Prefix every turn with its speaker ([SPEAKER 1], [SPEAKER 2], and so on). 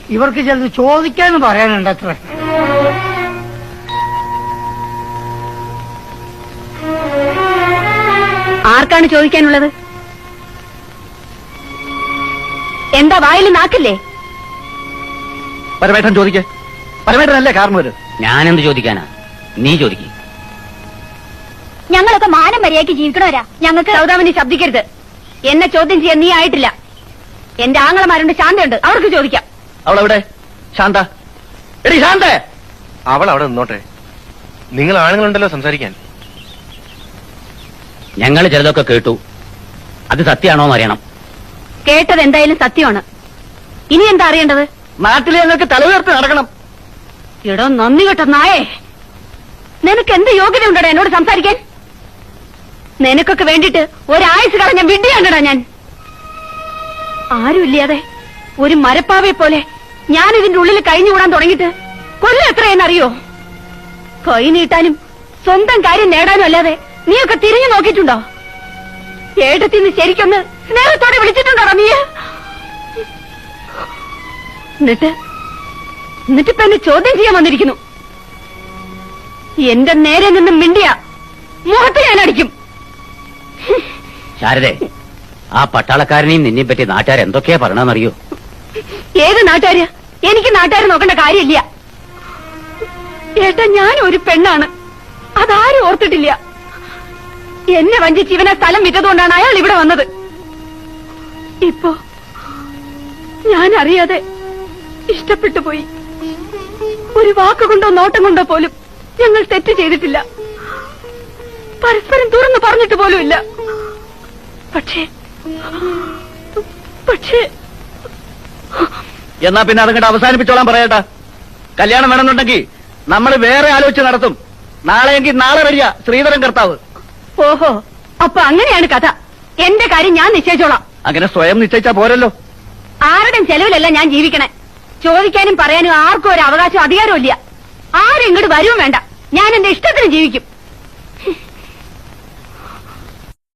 [SPEAKER 1] ഇവർക്ക് ചിലത് ചോദിക്കാന്ന് പറയാനുണ്ട് അത്ര.
[SPEAKER 2] ആർക്കാണ് ചോദിക്കാനുള്ളത്? എന്താ വായിൽ നാക്കില്ലേ?
[SPEAKER 3] പരമേട്ടൻ ചോദിക്കേ. പരമേട്ടനല്ലേ കാരണവര്.
[SPEAKER 4] ഞാനെന്ത് ചോദിക്കാനാ? നീ ചോദിക്കും.
[SPEAKER 2] ഞങ്ങളൊക്കെ മാനം മര്യാദയ്ക്ക് ജീവിക്കണവരാ. ഞങ്ങൾക്ക് സൗദാമിനി ശബ്ദിക്കരുത്. എന്നെ ചോദ്യം ചെയ്യാൻ നീ ആയിട്ടില്ല. എന്റെ ആങ്ങളമാരുണ്ട്, ശാന്തയുണ്ട്, അവർക്ക് ചോദിക്കാം.
[SPEAKER 3] അവളെവിടെ? ശാന്ത, എടി ശാന്ത.
[SPEAKER 5] അവൾ അവിടെ നിന്നോട്ടെ. നിങ്ങൾ ആണുങ്ങളുണ്ടല്ലോ സംസാരിക്കാൻ.
[SPEAKER 4] ഞങ്ങൾ ചിലതൊക്കെ കേട്ടു. അത് സത്യമാണോന്ന് അറിയണം.
[SPEAKER 2] കേട്ടത് എന്തായാലും സത്യമാണ്. ഇനി എന്താ അറിയേണ്ടത്?
[SPEAKER 3] നാട്ടിൽ ഞങ്ങൾക്ക് തല ഉയർത്തി നടക്കണം.
[SPEAKER 2] എടോ നന്ദി കേട്ട നായേ, നിനക്ക് എന്ത് യോഗ്യത ഉണ്ടോ എന്നോട് സംസാരിക്കാൻ? നിനക്കൊക്കെ വേണ്ടിട്ട് ഒരാഴ്ച കളഞ്ഞ വിഡ്ഢിയാണ്ടടാ ഞാൻ. ആരുമില്ലാതെ ഒരു മരപ്പാവയെ പോലെ ഞാൻ ഇതിന്റെ ഉള്ളിൽ കഴിഞ്ഞുകൂടാൻ തുടങ്ങിയിട്ട് കൊല്ലം എത്രയെന്നറിയോ? കൈ നീട്ടാനും സ്വന്തം കാര്യം നേടാനും അല്ലാതെ നീയൊക്കെ തിരിഞ്ഞു നോക്കിയിട്ടുണ്ടോ? ഏട്ടത്തിന്ന് ശരിക്കൊന്ന് സ്നേഹത്തോടെ വിളിച്ചിട്ടുണ്ടോ നീ? എന്നിട്ടിപ്പ എന്നെ ചോദ്യം ചെയ്യാൻ വന്നിരിക്കുന്നു. എന്റെ നേരെ നിന്ന് മിണ്ടിയ മുഖത്ത് ഞാൻ അടിക്കും.
[SPEAKER 4] ശാരദേ, ആ പട്ടാളക്കാരനെയും നിന്നെ പറ്റി നാട്ടുകാർ എന്തൊക്കെയാ പറയണമെന്നറിയോ?
[SPEAKER 2] ഏത് നാട്ടുകാര്? എനിക്ക് നാട്ടുകാർ നോക്കേണ്ട കാര്യമില്ല. ഏട്ടാ, ഞാൻ ഒരു പെണ്ണാണ്, അതാരും ഓർത്തിട്ടില്ല. എന്നെ വഞ്ചിച്ച് ഇവനെ സ്ഥലം വിറ്റതുകൊണ്ടാണ് അയാൾ ഇവിടെ വന്നത്. ഇപ്പോ ഞാൻ അറിയാതെ ഇഷ്ടപ്പെട്ടു പോയി. ഒരു വാക്കുകൊണ്ടോ നോട്ടം കൊണ്ടോ പോലും ഞങ്ങൾ തെറ്റ് ചെയ്തിട്ടില്ല. പരസ്പരം തുറന്നു പറഞ്ഞിട്ട് പോലുമില്ല. പക്ഷേ
[SPEAKER 3] എന്നാ പിന്നെ അതങ്ങോട്ട് അവസാനിപ്പിച്ചോളാൻ പറയട്ടാ. കല്യാണം വേണമെന്നുണ്ടെങ്കിൽ നമ്മൾ വേറെ ആലോചിച്ച് നടത്തും. നാളെയെങ്കിൽ നാളെ വരിക ശ്രീധരൻ കർത്താവ്.
[SPEAKER 2] ഓഹോ, അപ്പൊ അങ്ങനെയാണ് കഥ. എന്റെ കാര്യം ഞാൻ നിശ്ചയിച്ചോളാം.
[SPEAKER 3] അങ്ങനെ സ്വയം നിശ്ചയിച്ചാ പോരല്ലോ.
[SPEAKER 2] ആരുടെയും ചെലവിലല്ല ഞാൻ ജീവിക്കണേ. ചോദിക്കാനും പറയാനും ആർക്കും ഒരു അവകാശം അധികാരവും ഇല്ല. ആരും ഇങ്ങോട്ട് വരുവും വേണ്ട. ഞാൻ എന്റെ ഇഷ്ടത്തിന് ജീവിക്കും.